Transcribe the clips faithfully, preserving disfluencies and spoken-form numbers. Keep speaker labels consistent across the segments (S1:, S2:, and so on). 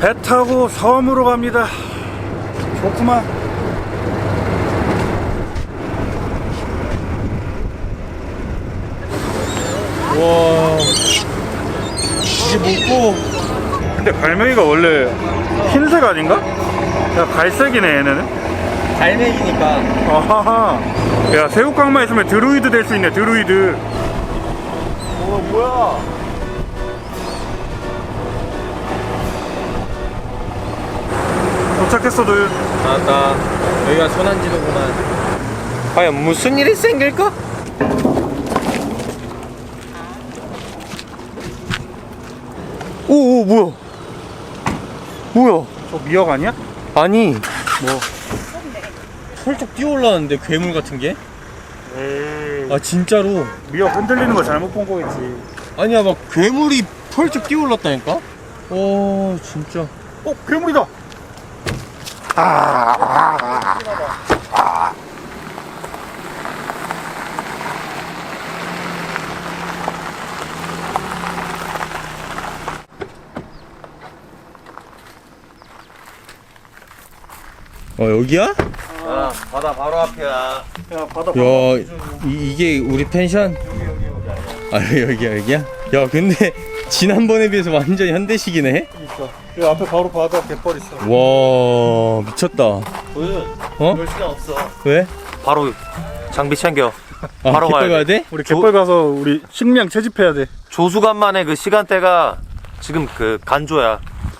S1: 배 타고 섬으로 갑니다. 좋구만.
S2: 와, 이게 뭐고?
S1: 근데 갈매기가 원래 흰색 아닌가? 야, 갈색이네 얘네는.
S2: 갈매기니까.
S1: 아하하. 야, 새우깡만 있으면 드루이드 될 수 있네. 드루이드.
S2: 어, 뭐야?
S1: 도착했어, 도윤.
S2: 나왔다. 여기가 소난지도구만. 과연 무슨 일이 생길까?
S1: 오, 오, 뭐야? 뭐야? 저 미역 아니야?
S2: 아니,
S1: 뭐?
S2: 펄쩍 뛰어 올라왔는데 괴물 같은 게?
S1: 에이.
S2: 아 진짜로?
S1: 미역 흔들리는 거 잘못 본 거겠지.
S2: 아니야, 막 괴물이 펄쩍 뛰어 올랐다니까? 오, 진짜.
S1: 어, 괴물이다. 아, 아, 아.
S2: 어, 여기야?
S3: 아, 바다 바로 앞이야.
S1: 야, 바다.
S2: 야, 이, 이게 우리 펜션? 아, 여기야, 여기야? 야, 근데 지난번에 비해서 완전 현대식이네?
S1: 있어. 그 앞에 바로 바다 갯벌 있어.
S2: 와, 미쳤다.
S3: 도윤,
S2: 어?
S3: 볼 시간 없어.
S2: 왜?
S3: 바로 장비 챙겨.
S2: 아,
S3: 바로
S2: 갯벌
S3: 가야
S2: 가야 돼?
S1: 우리 갯벌 가서 우리 식량 채집해야 돼.
S3: 조수간만에 그 시간대가 지금 그 간조야.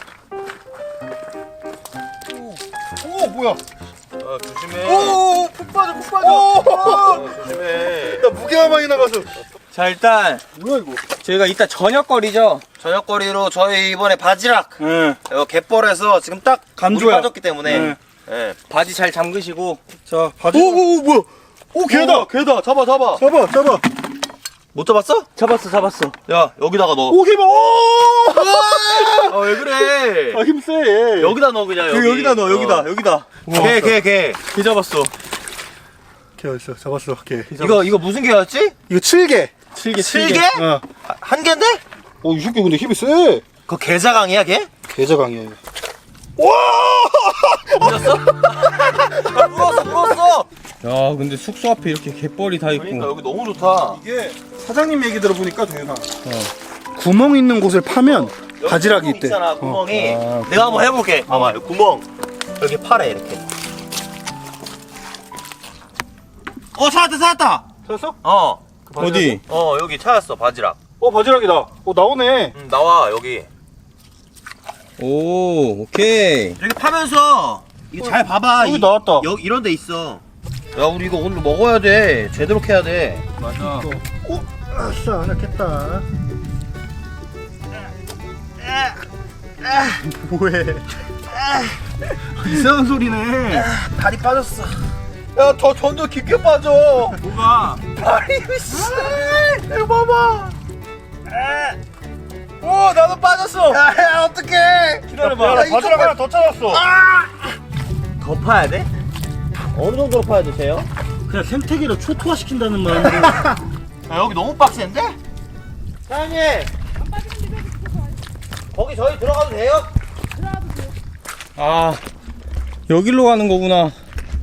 S1: 오, 뭐야?
S3: 어, 조심해.
S1: 오, 푹 빠져, 푹 빠져.
S3: 어, 조심해.
S1: 나 무게가만이 나가서.
S2: 자, 일단
S1: 뭐야 이거?
S2: 저희가 이따 저녁거리죠?
S3: 저녁거리로 저희 이번에 바지락
S1: 응.
S3: 어, 갯벌에서 지금 딱
S1: 간조야.
S3: 물이 빠졌기 때문에
S1: 네.
S3: 예.
S2: 바지 잘 잠그시고.
S1: 자, 바지. 오, 오, 오, 뭐야? 오, 개다.
S3: 개다. 잡아 잡아.
S1: 잡아, 잡아.
S3: 못 잡았어?
S2: 잡았어, 잡았어.
S3: 야, 여기다가 넣어.
S1: 오, 개봐. 오!
S3: 아, 왜 그래?
S1: 아, 힘 세. 얘.
S3: 여기다 넣어 그냥.
S2: 여기, 여기다 넣어, 여기다,
S3: 어.
S2: 여기다.
S3: 개, 개, 개.
S2: 개 잡았어.
S1: 개 어딨어? 잡았어. 개.
S3: 이거 이거 무슨 개였지?
S1: 이거 칠 개.
S2: 칠개,
S3: 칠개?
S1: 어.
S3: 아, 한 개인데?
S1: 오, 이 새끼 근데 힘이 세.
S3: 그거 개자강이야, 걔?
S1: 개자강이야.
S3: 물었어? 야, 물었어, 물었어!
S2: 야, 근데 숙소 앞에 이렇게 갯벌이 다 있고.
S3: 그러니까 여기 너무 좋다.
S1: 이게 사장님 얘기 들어보니까 동현아. 어. 구멍 있는 곳을 파면 바지락이
S3: 구멍
S1: 있대.
S3: 있잖아,
S1: 어.
S3: 구멍이.
S2: 아,
S3: 내가 한번 해볼게. 봐봐, 여기 구멍. 여기 팔에 이렇게. 어, 찾았다, 찾았다!
S1: 찾았어?
S3: 어.
S2: 어디?
S3: 어, 여기 찾았어, 바지락.
S1: 어, 바지락이다. 어, 나오네.
S3: 응, 나와, 여기.
S2: 오, 오케이.
S3: 여기 파면서, 이거 잘 봐봐.
S1: 여기
S3: 이-
S1: 나왔다.
S3: 여기 이런 데 있어. 야, 우리 이거 오늘 먹어야 돼. 제대로 캐야 돼.
S2: 맞아.
S1: 오, 아싸, 안했겠다. 뭐해? 이상한 소리네.
S3: 다리 빠졌어. 야, 더 전도 깊게 빠져.
S2: 뭐가?
S3: 다리, 씨. 이거 봐봐. 오, 나도 빠졌어. 야, 어떡해. 기다려봐.
S1: 야, 나 바지락 하나 더 찾았어.
S3: 더 파야 돼? 어느 정도로 파야 되세요?
S1: 그냥 생태계를 초토화 시킨다는 마음으로.
S3: 야, 여기 너무 빡센데? 사장님. 거기 저희 들어가도 돼요?
S2: 아, 여기로 가는 거구나.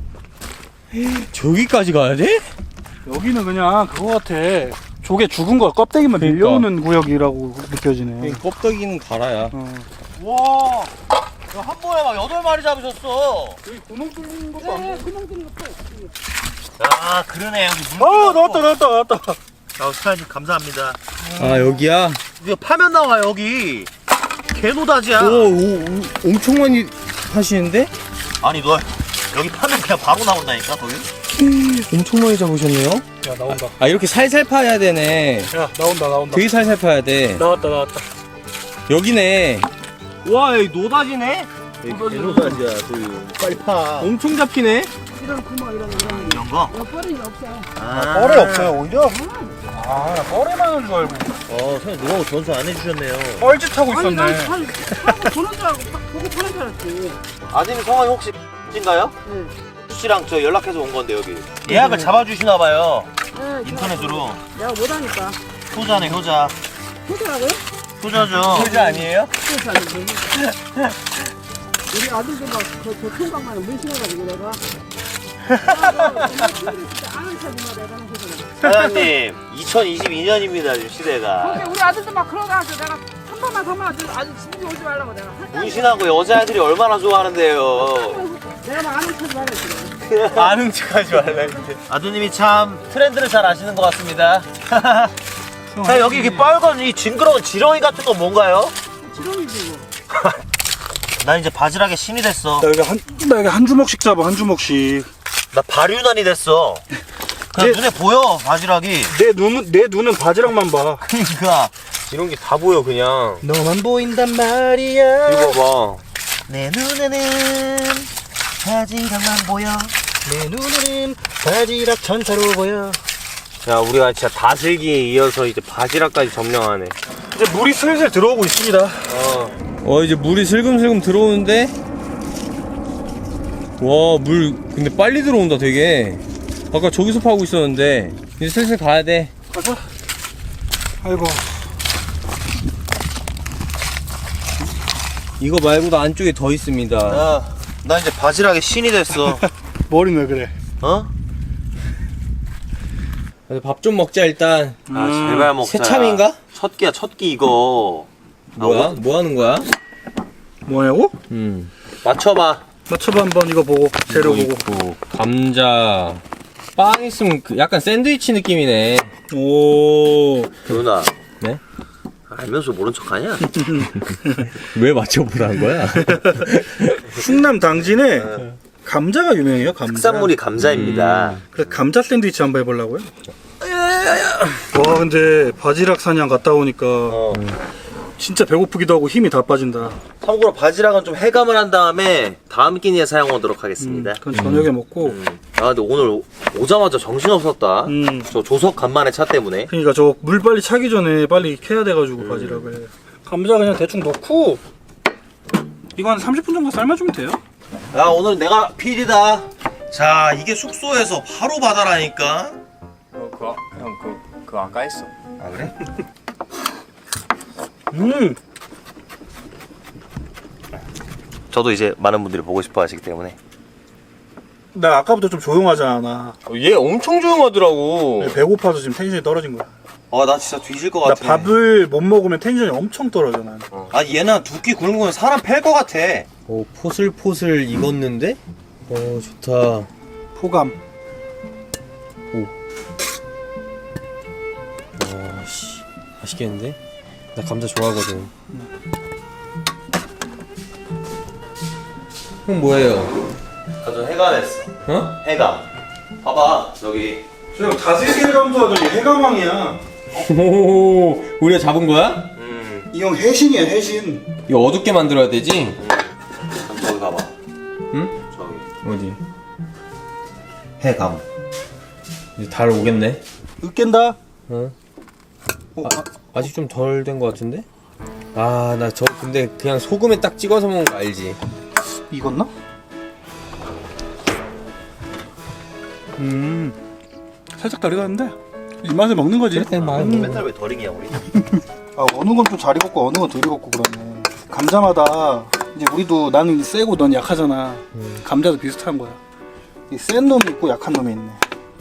S2: 저기까지 가야 돼?
S1: 여기는 그냥 그거 같아. 조개 죽은 거 껍데기만
S2: 그러니까.
S1: 밀려오는 구역이라고 느껴지네.
S2: 껍데기는 갈아야.
S1: 어.
S3: 와. 야, 한 번에 막 여덟 마리 잡으셨어.
S1: 여기 구멍 뚫린 것도 안 보여.
S3: 야, 그러네. 여기 물.
S1: 아, 나왔다, 나왔다, 나왔다.
S3: 야, 사장님 감사합니다.
S2: 아, 여기야?
S3: 이거 파면 나와 여기. 개노다지야.
S2: 오, 오, 오, 엄청 많이 하시는데?
S3: 아니 너 여기 파면 그냥 바로 나온다니까 거기.
S2: 엄청 많이 잡으셨네요?
S1: 야, 나온다.
S2: 아, 이렇게 살살 파야 되네.
S1: 야, 나온다, 나온다.
S2: 되게 살살 파야 돼.
S1: 나왔다, 나왔다.
S2: 여기네.
S3: 와, 여기 노다지네. 개노다지야. 그 빨리 파.
S2: 엄청 잡히네?
S4: 이런 구멍 이런 이런
S3: 이런 거.
S4: 거 뻘이 없어.
S3: 아,
S1: 뻘이 없어요, 오히려? 아, 나 뻘에만 하는 줄 알고.
S3: 어, 선생님 노하우 전수 안 해주셨네요.
S1: 뻘짓하고
S4: 아니 난
S1: 있었네.
S4: 살 하고 보는 줄 알고 딱 보고 파는 줄 알았지.
S3: 아드님 성함이 혹시 인가요?
S4: 네.
S3: 씨랑 저 연락해서 온 건데 여기. 예약을 잡아주시나 봐요.
S4: 네,
S3: 인터넷으로.
S4: 내가 못하니까.
S3: 효자네 효자.
S4: 보더라고요?
S3: 후져죠.
S2: 소주 아니에요?
S4: 그래서 안 돼. 우리 아들도 막그 교통강만에 문신해가지고 내가. 아는 척이나 내가 하는 거잖아.
S3: 사장님, 이천이십이 년입니다, 지금 시대가.
S4: 근데 우리 아들도 막 그러다가 내가 한 번만 더 만 아주 집에 오지 말라고 내가.
S3: 문신하고 여자애들이 얼마나 좋아하는데요.
S4: 내가 막 아는 척 말했지.
S2: 아는 척하지 말라 근데.
S3: 아드님이 참 트렌드를 잘 아시는 것 같습니다. 자, 여기 이렇게 빨간 이 징그러운 지렁이 같은 건 뭔가요?
S4: 지렁이지 뭐.
S3: 나 이제 바지락에 신이 됐어.
S1: 나 여기 한, 나 여기 한 주먹씩 잡아, 한 주먹씩.
S3: 나 발유난이 됐어. 그냥
S1: 내-
S3: 눈에 보여, 바지락이.
S1: 내 눈은, 내 눈은 바지락만 봐.
S3: 그러니까 이런 게 다 보여 그냥.
S2: 너만 보인단 말이야.
S3: 이거 봐. 내 눈에는 바지락만 보여.
S2: 내 눈에는 바지락 전차로 보여.
S3: 야, 우리가 진짜 다슬기에 이어서 이제 바지락까지 점령하네.
S1: 이제 물이 슬슬 들어오고 있습니다.
S3: 어.
S2: 어 이제 물이 슬금슬금 들어오는데. 와 물 근데 빨리 들어온다 되게. 아까 저기서 파고 있었는데 이제 슬슬 가야 돼.
S1: 가자. 아이고.
S2: 이거 말고도 안쪽에 더 있습니다.
S3: 야, 나 이제 바지락에 신이 됐어.
S1: 머리는 왜 그래?
S3: 어?
S2: 밥 좀 먹자 일단.
S3: 아,
S1: 음,
S3: 제발 먹자.
S2: 새참인가?
S3: 첫 끼야, 첫 끼 이거.
S2: 뭐야?
S3: 아,
S2: 뭐 하는 거야?
S1: 뭐냐고?
S2: 음.
S3: 맞춰봐.
S1: 맞춰봐 한번 이거 보고 재료
S2: 이거
S1: 보고.
S2: 있고, 감자. 빵 있으면 그 약간 샌드위치 느낌이네.
S1: 오.
S3: 누나.
S2: 네?
S3: 알면서 모른 척하냐?
S2: 왜 맞춰보라는 거야?
S1: 충남 당진에 감자가 유명해요. 감자.
S3: 특산물이 감자입니다.
S1: 그래서 감자 샌드위치 한번 해보려고요. 와 근데 바지락 사냥 갔다 오니까
S3: 어.
S1: 진짜 배고프기도 하고 힘이 다 빠진다.
S3: 참고로 바지락은 좀 해감을 한 다음에 다음 끼니에 사용하도록 하겠습니다.
S1: 그건 저녁에 먹고.
S3: 음. 아, 근데 오늘 오자마자 정신없었다.
S1: 음.
S3: 저 조석 간만에 차 때문에.
S1: 그러니까 저 물 빨리 차기 전에 빨리 캐야 돼가지고 바지락을. 감자 그냥 대충 넣고 이거 한 삼십 분 정도 삶아주면 돼요.
S3: 야, 오늘 내가 피디다. 자, 이게 숙소에서 바로 바다라니까.
S2: 어, 그거, 형, 그거, 그거 아까 했어.
S3: 아, 그래?
S1: 음.
S3: 저도 이제 많은 분들이 보고 싶어 하시기 때문에.
S1: 나 아까부터 좀 조용하잖아.
S2: 얘 엄청 조용하더라고.
S1: 배고파서 지금 텐션이 떨어진 거야.
S3: 아, 나 진짜 뒤질 것
S1: 나
S3: 같아.
S1: 밥을 못 먹으면 텐션이 엄청 떨어져 난.
S3: 아, 얘는 두 끼 굶은 거면 사람 팰 것 같아.
S2: 오, 포슬포슬 익었는데? 어, 좋다.
S1: 포감.
S2: 와, 씨. 맛있겠는데? 나 감자 좋아하거든. 형 뭐예요?
S3: 아, 저 해감했어.
S2: 어?
S3: 해감. 봐봐, 여기.
S1: 저 다슬기 해감도하더니 해감왕이야.
S2: 오, 우리가 잡은 거야?
S3: 음,
S1: 이 형 해신이야 해신.
S2: 이거 어둡게 만들어야 되지?
S3: 그럼 저기 봐봐.
S2: 응?
S3: 저기.
S2: 어디?
S3: 해감.
S2: 이제 달 오겠네.
S1: 으깬다.
S2: 어?
S1: 어,
S2: 아, 아직 좀 덜 된 거 같은데? 아, 나 저 근데 그냥 소금에 딱 찍어서 먹는 거 알지?
S1: 익었나? 음. 살짝 덜 익었는데 입맛에 먹는 거지.
S2: 그래, 말
S1: 음.
S3: 맨날 왜 덜이냐, 우리?
S1: 아, 어느 건 좀 잘 익었고 어느 건 덜 익었고 그러네. 감자마다 이제 우리도 나는 세고 넌 약하잖아.
S2: 음.
S1: 감자도 비슷한 거야. 이 센 놈이 있고 약한 놈이 있네.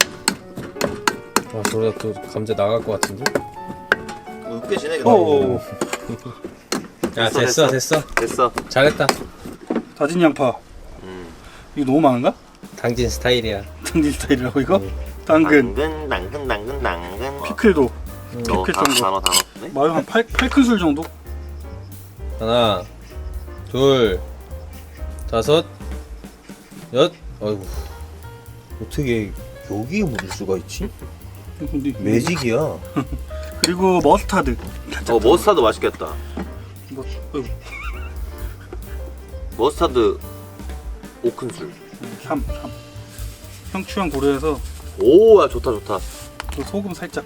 S2: 아, 저러다 또 감자 나갈 것 같은데?
S3: 으깨지네,
S1: 오.
S2: 야,
S3: 됐어,
S2: 됐어,
S3: 됐어.
S2: 됐어.
S3: 됐어.
S2: 잘했다.
S1: 다진 양파.
S3: 음.
S1: 이거 너무 많은가?
S2: 당진 스타일이야.
S1: 당진 스타일이라고 이거? 당근.
S3: 당근, 당근, 당근, 당근.
S1: 피클도.
S3: 너
S1: 피클
S3: 다,
S1: 정도.
S3: 단어 다 넣었네?
S1: 마요 한 팔 큰술 정도?
S2: 하나, 둘, 다섯, 여, 아이고. 어떻게 여기에 묻을 수가 있지?
S1: 근데
S2: 매직이야.
S1: 그리고 머스타드.
S3: 어, 머스타드 맛있겠다.
S1: 뭐, 어이구,
S3: 머스타드 오 큰술.
S1: 삼, 삼. 형 취향 고려해서
S3: 오, 야, 좋다, 좋다.
S1: 또 소금 살짝.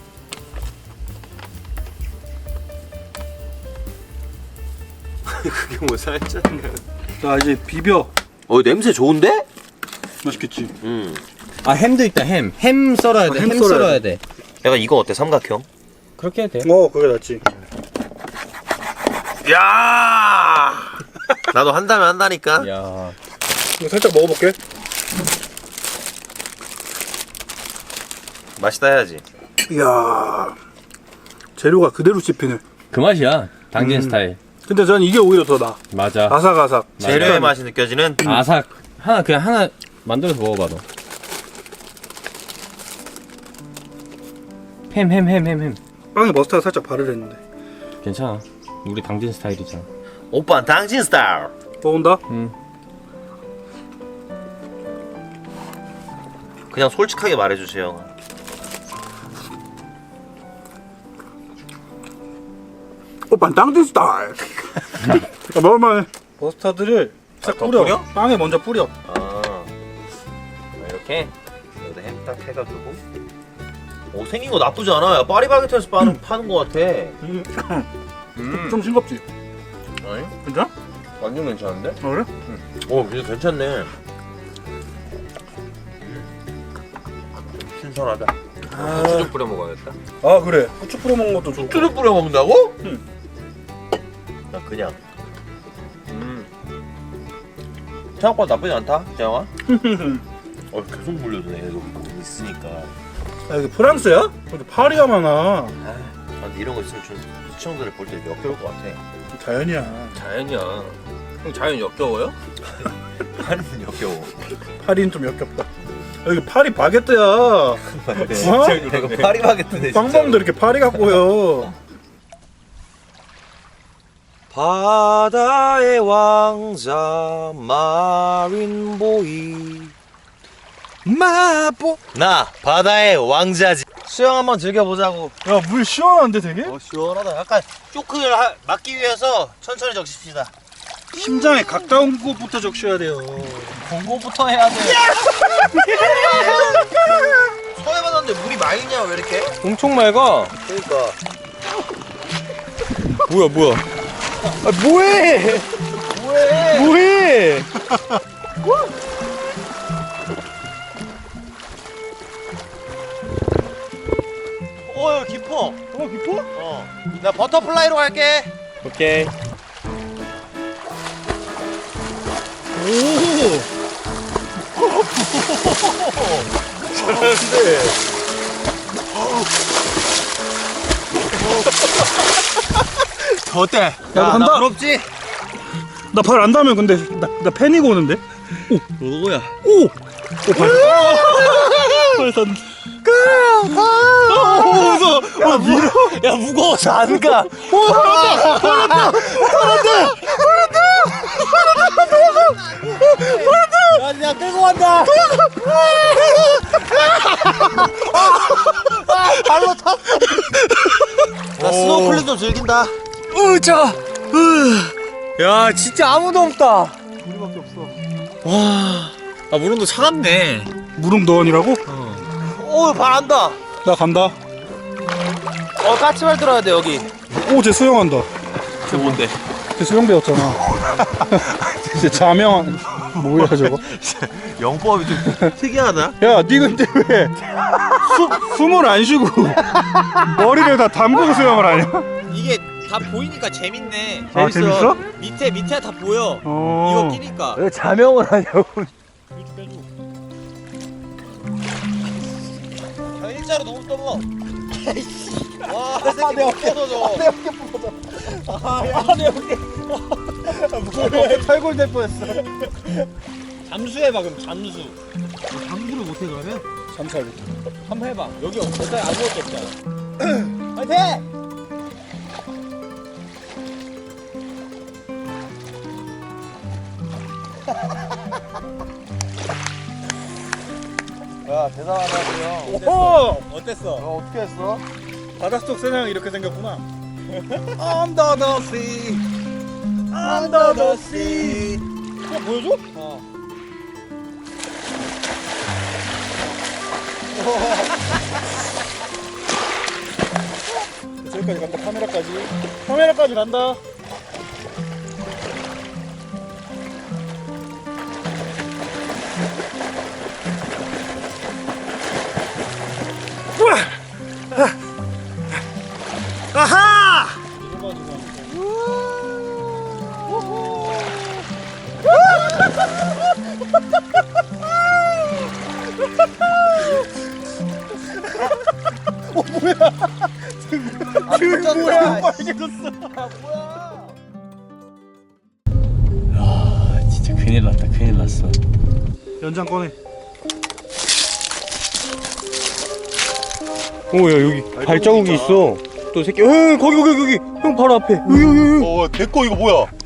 S3: 그게 뭐 살짝.
S1: 자 이제 비벼.
S3: 어, 냄새 좋은데?
S1: 맛있겠지.
S3: 음.
S2: 아, 햄도 있다, 햄. 햄 썰어야 돼,
S1: 아,
S2: 햄,
S1: 햄 썰어야
S2: 썰어야 돼.
S3: 약간 이거 어때? 삼각형?
S2: 그렇게 해도 돼.
S1: 어 그게 낫지.
S3: 야 나도 한다면 한다니까.
S2: 야.
S1: 이거 살짝 먹어볼게.
S3: 맛있다 해야지.
S1: 이야, 재료가 그대로 씹히네.
S2: 그 맛이야. 당진
S1: 음.
S2: 스타일.
S1: 근데 전 이게 오히려 더 나아.
S2: 맞아.
S1: 아삭아삭.
S3: 재료의 맛이 느껴지는.
S2: 아삭. 하나 그냥 하나 만들어서 먹어봐 너. 햄 햄 햄 햄 햄.
S1: 빵에 머스타드 살짝 바르랬는데.
S2: 괜찮아. 우리 당진 스타일이잖아.
S3: 오빠는 당신 스타일.
S1: 먹은다?
S2: 응.
S3: 그냥 솔직하게 말해주세요.
S1: 오빠 땅진 스타일. 야, 먹을만해. 머스타드를 싹
S3: 더
S1: 뿌려.
S3: 뿌려?
S1: 빵에 먼저 뿌려.
S3: 아 이렇게 여기다 햄 딱 해가지고. 오 생긴 거 나쁘지 않아. 야, 파리바게트에서 파는 파는 거 같아.
S1: 음. 좀 싱겁지?
S3: 아니?
S1: 괜찮아?
S3: 완전 괜찮은데?
S1: 어, 그래?
S3: 오 진짜 괜찮네. 신선하다.
S2: 후추 좀 뿌려 먹어야겠다.
S1: 아, 그래. 후추 뿌려 먹는 것도 좋고.
S3: 후추를 뿌려 먹는다고?
S1: 응.
S3: 나 그냥. 음. 생각보다 나쁘지 않다, 재영아. 어 계속 물려주네. 얘도 있으니까.
S1: 아, 여기 프랑스야? 여기 파리가 많아.
S3: 아, 근데 이런 거 있으면 좀 시청자들 볼 때 역겨울 것 같아.
S1: 자연이야.
S2: 자연이야. 형 자연 역겨워요?
S3: 파리는 역겨워.
S1: 파리는 좀 역겹다. 여기 파리 바게트야. 어?
S3: 이거 파리바게트네.
S1: 빵빵도 이렇게 파리 갖고 보여.
S3: 바다의 왕자 마린보이 마보 나 바다의 왕자지. 수영 한번 즐겨보자고.
S1: 야, 물 시원한데 되게?
S3: 어 시원하다. 약간 쇼크를 하, 막기 위해서 천천히 적십시다.
S1: 심장에 가까운 곳부터 적셔야 돼요.
S3: 공고부터 해야 돼. 처음 해봤는데 물이 맑냐 왜 이렇게?
S2: 엄청 맑아.
S3: 그러니까
S2: 뭐야 뭐야. 아 뭐해?
S3: 뭐해?
S2: 뭐해?
S3: 어 여기 깊어.
S1: 어, 깊어?
S3: 어. 나 버터플라이로 갈게.
S2: 오케이.
S3: 잘하는데. 어때? 야,
S1: 나 간다.
S3: 나 부럽지?
S1: 나 발 안 닿으면 근데 나, 나 패닉 오는데?
S3: 누구야?
S1: 오! 오, 발. 발 닿는다. 오, 무서워. 어, 밀어.
S3: 야 무거워서 안 가. 야, 야 끌고 간다. 발로 탔어. 나 스노클링 좀 즐긴다.
S2: 으자. 야 진짜 아무도 없다.
S1: 우리밖에 없어.
S2: 와. 아 물온도 차갑네.
S1: 무릉도원이라고?
S3: 오, 발 안다.
S1: 나 간다.
S3: 어, 까치발 들어야 돼 여기.
S1: 오, 쟤 수영한다.
S3: 그 뭔데?
S1: 쟤 수영 배웠잖아. 쟤 자명 뭐야 저거?
S3: 영법이 좀 특이하다.
S1: 야, 니 근데 왜 수, 숨을 안 쉬고 머리를 다 담그고 수영을 하냐?
S5: 이게 다 보이니까 재밌네.
S1: 아, 재밌어?
S5: 밑에 밑에 다 보여.
S1: 어.
S5: 이거 끼니까.
S3: 왜 자명을 하냐고.
S5: 형 일자로 너무 떠먹어. 와, 내 새끼 못 벗어져. 내 어깨 벗어져. 아, 내 어깨.
S1: 뭐해? 탈골 될 뻔했어.
S5: 잠수해봐 그럼 잠수.
S3: 잠수를 못해 그러면?
S1: 잠살.
S5: 한번 해봐. 여기 어차피 아무것도 없잖아. 파이팅!
S3: 야 대단하다 형.
S1: 오!
S5: 어땠어?
S3: 너 어떻게 했어?
S1: 바닷속 세상이 이렇게 생겼구나.
S3: Under the sea.
S1: Under the sea.
S5: 어, 보여줘?
S1: 어. 저기까지 간다. 카메라까지. 카메라까지 간다. 우와! 아! 아하!
S5: 그 뭐야?
S2: 아 진짜 큰일 났다 큰일 났어.
S1: 연장 꺼내.
S2: 오야 여기 발자국이 있어. 또 새끼 형 거기 거기 거기 형 바로 앞에 여기 여기 여기.
S5: 어, 내거 이거 뭐야?